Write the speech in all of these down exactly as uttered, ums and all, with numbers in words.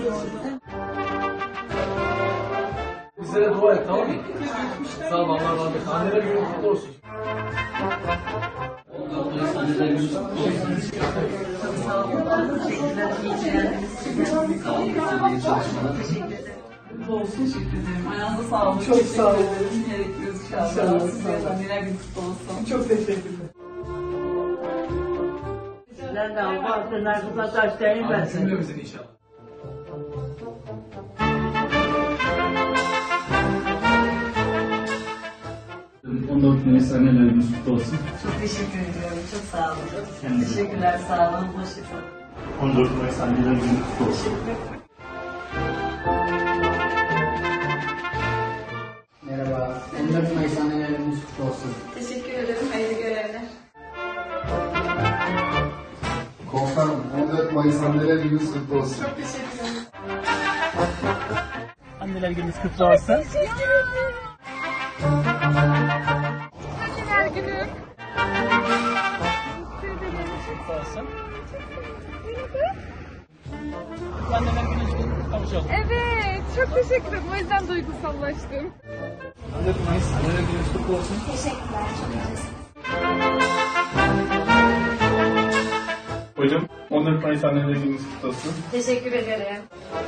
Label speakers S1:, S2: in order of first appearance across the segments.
S1: Bizlere dua et, tamam mı? Sağ ol, Allah razı olsun. Anneler günü kutlu olsun. Anneler günü kutlu olsun.
S2: Sağ olun. Teşekkürler. İyi geldiniz.
S1: Sağ olun. İyi çalışmalar.
S2: Teşekkür ederim. Mutlu olsun. Teşekkür ederim. Ayağınıza sağlık.
S3: Çok sağ olun.
S2: Yine bekliyoruz inşallah.
S3: İnşallah.
S2: Size anneler günü kutlu olsun.
S3: Çok teşekkürler.
S4: Sizlerle Allah arkasına taşlayın ben.
S1: Cümlemizin inşallah.
S5: on dört Mayıs Anneler Günü kutlu olsun.
S2: Çok teşekkür ediyorum. Çok sağ olun.
S5: Kendinize.
S2: Teşekkürler. Sağ olun. Hoşçakalın.
S5: on dört Mayıs Anneler Günü kutlu olsun.
S6: Merhaba, on dört Mayıs Anneler Gününüz kutlu olsun.
S2: Teşekkür ederim. Hayırlı görevler.
S7: Komutanım, on dört Mayıs Anneler Gününüz kutlu olsun.
S2: Çok teşekkür ederim.
S5: Anneler Günü kutlu olsun.
S8: Anneler günü.
S5: Kutlu olsun. Anneler Günü için kavuşalım.
S8: Evet, çok teşekkür ederim. O yüzden duygusallaştım.
S5: on dört Mayıs Anneler Günü kutlu olsun. Hocam, on dört Mayıs Anneler Günü kutlu olsun.
S2: Teşekkür ederim.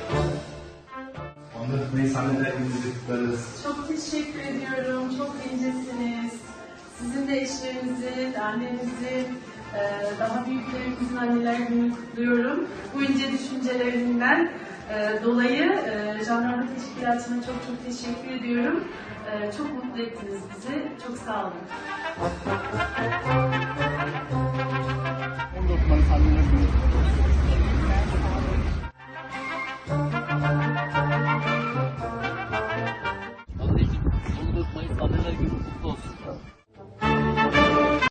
S7: on dört Mayıs Anneler Günü'nü kutlarız.
S2: Çok teşekkür ediyorum. Çok incesiniz. Sizin de eşlerinizin, annenizin, e, daha büyüklerimizin anneler gününü kutluyorum. Bu ince düşüncelerinden e, dolayı e, Jandarma Teşkilatı'na çok çok teşekkür ediyorum. E, Çok mutlu ettiniz bizi. Çok sağ olun.
S5: on dört Mayıs Anneler Günü kutlu olsun.
S1: Anneciğim, on dört Mayıs Anneler Günü kutlu olsun.